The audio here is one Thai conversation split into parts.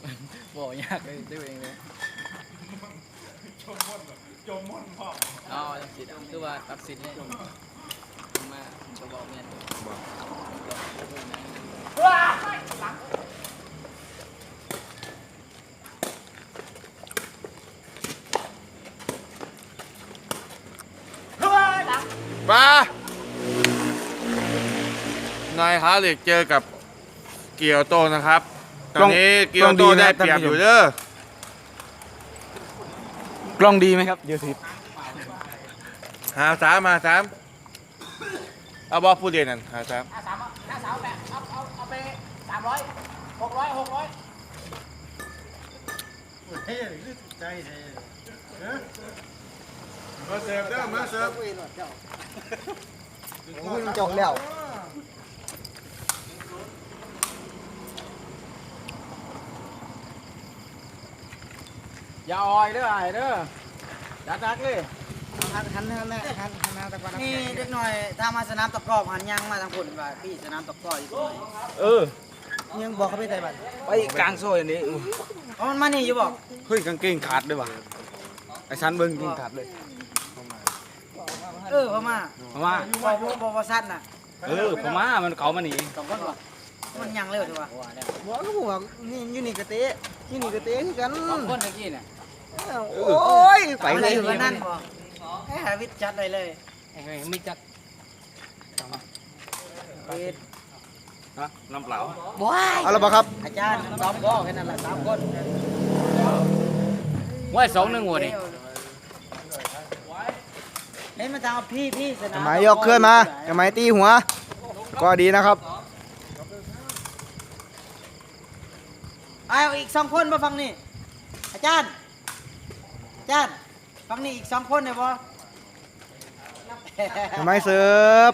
บอกยากเลยด้วยเองเลยจมม่อนพ่ออ๋อตัดสินคือว่าตัดสินเนี่ยมาจะบอกเนี่ยมานายฮาร์เลกเจอกับเกียวโตนะครับตอนนี้เกียวโตได้เปรียบอยู่เด้อกล้องดีไหมครับเดี๋ยวสิหา3มา3เอาบอผู้เรียนนั่นหา3 53แบบเอาไป300 600เฮ้ยนี่ใจเฮ้ยมาเสิร์ฟเด้อมาเสิร์ฟโอ้ยจงแล้วอย่าอ่อยเด้อไอ้เด้อดักเลยหันตะกอนนี่เด็กหน่อยถ้ามาสนามตะกร้อหันยังมาทางผลว่าพี่สนามตะกร้ออยู่ตรงไหนยังบอกเขาไปไต่บัตรไปกลางโซ่อย่างนี้อ๋อมันมานี่อยู่บอกเฮ้ยกางเกงขาดด้วยว่ะไอ้ชั้นเบิ้งกางเกงขาดเลยพม่าพม่าบอกสั้นน่ะพม่ามันเขามาหนีสองคนวะมันยังเร็วจังวะบอกก็บอกนี่ยูนิกเตะยูนิกเตะคือกันสองคนตะกี้เนี่ยโอ้ยไปเลยนั่นบอกให้หาวิทย์จัดเลยไม่จัดปิดฮะน้ำเปล่าว้ายเอาละบ่ครับอาจารย์ซ้อมก็แค่นั้นแหละ3 คนว่า2-1หัวนี่เฮ้ยมาทำพี่สนามจะไม้ยกเคลื่อนมาจะไม้ตีหัว ก็ดีนะครับเอาอีก2 คนมาฟังนี่อาจารย์ฟังนี่อีก2 คนเนี่ยบ่จะไม้เสิร์ฟ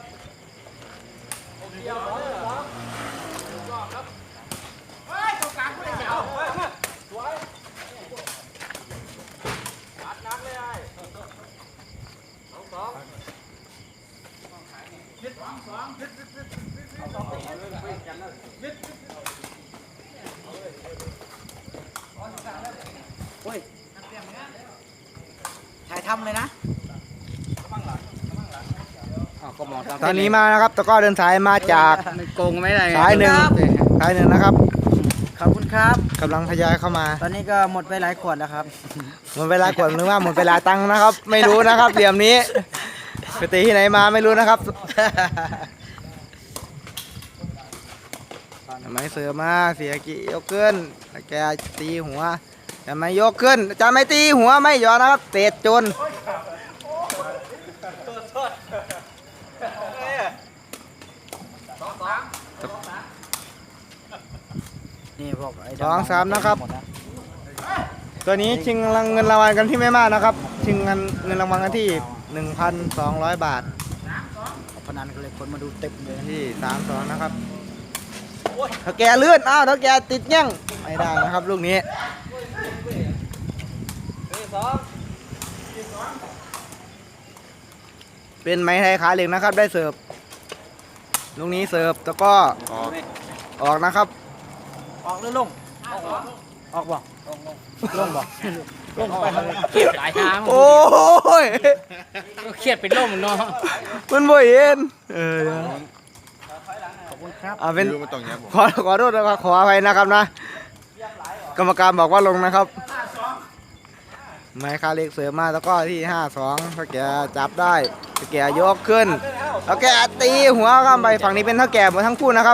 ถ่ายทำเลยนะก็มองตอนนี้มานะครับตะกร้อเดินสายมาจากมันโกงไม่ได้สายหนึ่งนะครับขอบคุณครับกำลังทยอยเข้ามาตอนนี้ก็หมดไปหลายขวดแล้วครับหมดเวลาขวดหรือว่าหมดเวลาตังค์นะครับ ไม่รู้นะครับเหลี่ยมนี้ไปตีที่ไหนมาไม่รู้นะครับจะไม้เสิร์ฟมาเสียกี่ยกขึ้นแกตีหัวจะไม่ยกขึ้นจะไม่ตีหัวไม่ยอมนะครับเตะจนนี่พวกไอ้ 2-3นะครับ ตัวนี้ชิงเงินรางวัลกันที่ไม่มากนะครับ ชิงเงินรางวัลกันที่ 1,200 บาทพนันกันเลยคนมาดูเต็มเลยที่3-2นะครับถ้าแกเลื่อนอ้าวถ้าแกติดยั่งไม่ได้นะครับลูกนี้เป็นไม้ไทยขาเหล็กนะครับได้เสิร์ฟลูกนี้เสิร์ฟแล้วก็ออกนะครับออกหรือลงออกบ่ลงบ่ลงไปเครียดหลายทางโอ้ยเครียดเป็นล่มเนาะมันบ่เห็นขอบคุณครับเป็นดูมาตรงนี้ผมขอโทษนะครับขออภัยนะครับนะ กรรมการบอกว่าลงนะครับไม้คาเล็กเสือมาแล้วก็ที่5-2ถ้าแกจับได้ถ้าแกยกขึ้นแล้วแกตีหัวข้ามไปฝั่งนี้เป็นเท่าแก่หมดทั้งคู่นะครับ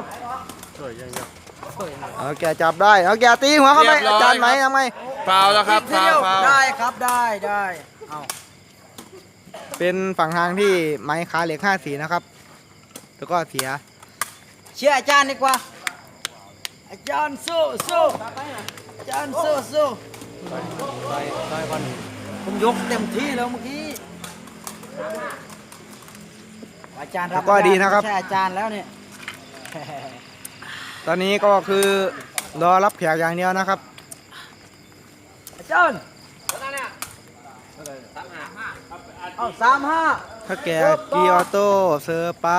แกจับได้แล้วแกตีหัวเข้าไปอาจารย์ไหมทำไงฟาวแล้วครับฟาวได้ครับได้เอาเป็นฝั่งทางที่ไม้คาเล็ก54นะครับแล้วก็เสียเชื่ออาจารย์ดีกว่าอาจารย์สู้อาจารย์สู้ผมยกเต็มที่แล้วเมื่อกี้อาจารย์รับก็ดีนะครับใช่อาจารย์แล้วเนี่ยตอนนี้ก็คือรอรับแขกอย่างเดียวนะครับอาจารย์เอา35 ถ้าแกกีออโต้เซอร์ไป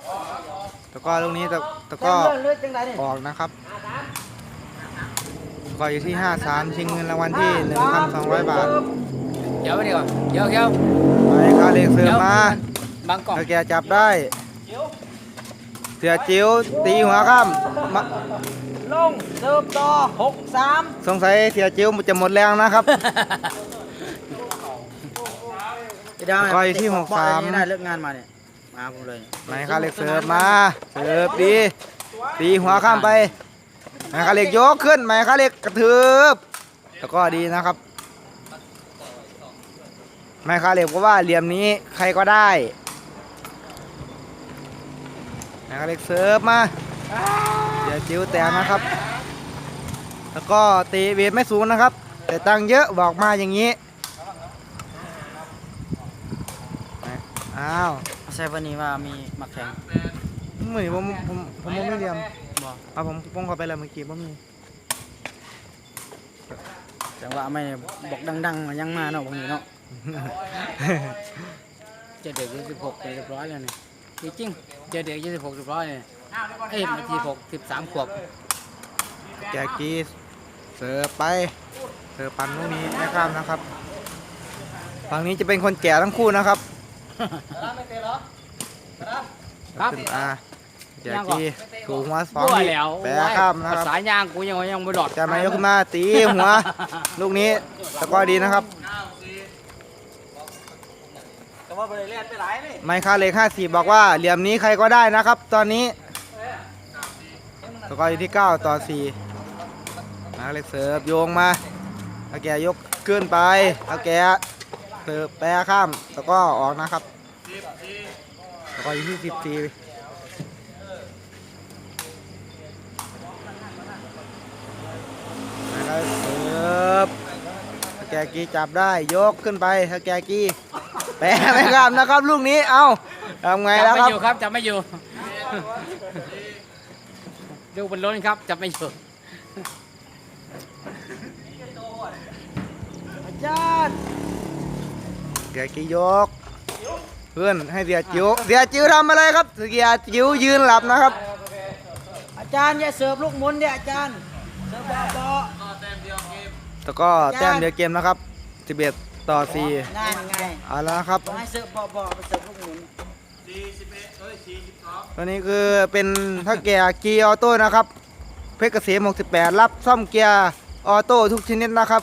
แล้วก็ลูกนี้ตะก็เลื่อนจังไดนี่ออกนะครับก็อยู่ที่ 53 ชิงเงินรางวัลที่ 1,200 บาทเดี๋ยวไปดีกว่าเดี๋ยวไม้คาเหล็กเสือมาบางกล่องถ้าแกจับได้ เสือจิ๋วตีหัวข้ามมาลงเสิร์ฟต่อ6-3 สงสัยเสือจิ๋วจะหมดแรงนะครับ ก็อยู่ที่63 ได้เลิกงานมาเนี่ยมาผมเลยไม้คาเหล็กเสิร์ฟมาเสิร์ฟดีตีหัวข้ามไปไม้คาเหล็กยกขึ้นไม้คาเหล็กกระทืบแล้วก็ดีนะครับไม้คาเหล็กเพราะว่าเหลี่ยมนี้ใครก็ได้ไม้คาเหล็กเสิร์ฟมาเดี๋ยวจิ้วแตกนะครับแล้วก็ตีเวทไม่สูงนะครับ แต่ตังค์เยอะบอกมาอย่างนี้อ้าวใช่วันนี้ว่ามีมักแข่งเหมือนผมไม่เรียมบอกเอาผมป้องเข้าไปแล้วเมื่อกี้บ่มีจังหวะไม่บอกดังๆมายังมาเนาะบางทีเนาะเจะเด็ก26เรียบร้อยแล้วเนี่ยจริงๆเจะเด็ก26เรียบร้อยเนี่ยเอ้ยนาที13 ขวบแจกกีเสิร์ฟไปเสิร์ฟปั่นลูกนี้ไม่ข้ามนะครับฝั่งนี้จะเป็นคนแก่ทั้งคู่นะครับครับขึ้นมาแจกกีถูกหัวสองรั่วทีแล้วแปะข้ามนะครับสายยางกูยังไม่หลอดจะมายกขึ้นมาตีหัว ลูกนี้ตะกร้อดีนะครับไมค์คาเหล็ก54บอกว่าเหลี่ยมนี้ใครก็ได้นะครับ ตอนนี้ตะกร้ออยู่ที่9-4ไมค์คาเหล็กเสิร์ฟโยงมาตะแกยกขึ้นไปตะแกเสิร์ฟแปะข้ามตะกร้อออกนะครับตะกร้ออยู่ที่14นะครับเสิร์ฟถ้าแกกีจับได้ยกขึ้นไปถ้าแกกีแปะไม่ข้ามนะครับลูกนี้เอาทำไงจัแล้วไม่ครับอยู่ครับจับไม่อยู่ดูบนรถครับจับไม่อยู่อาจารย์แกกียกเพื่อนให้เสียจิ๋วทำอะไรครับเสียจิ๋วยืนหลับนะครับอาจารย์อย่าเสิร์ฟลูกหมุนเนี่ยอาจารย์เสิร์ฟบอแล้วก็แต้มเดียวเกมนะครับ11-4 ง่ายง่ายเอาแล้วนะครับให้เสิร์ฟบอไปเสิร์ฟลูกหมุนตัวนี้คือเป็นถ้าแกเกียร์ออโต้นะครับเพชรเกษม68รับซ่อมเกียร์ออโต้ทุกชนิดนะครับ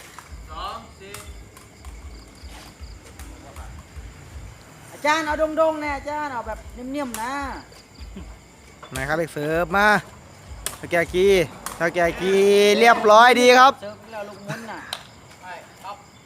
อาจารย์เอาดงๆเนี่ยอาจารย์เอาแบบนิ่มๆนะไหนครับเล็กเสิร์ฟมาถ้าแกกีเรียบร้อยดีครับเสิร์ฟแล้วลูกหมุนน่ะ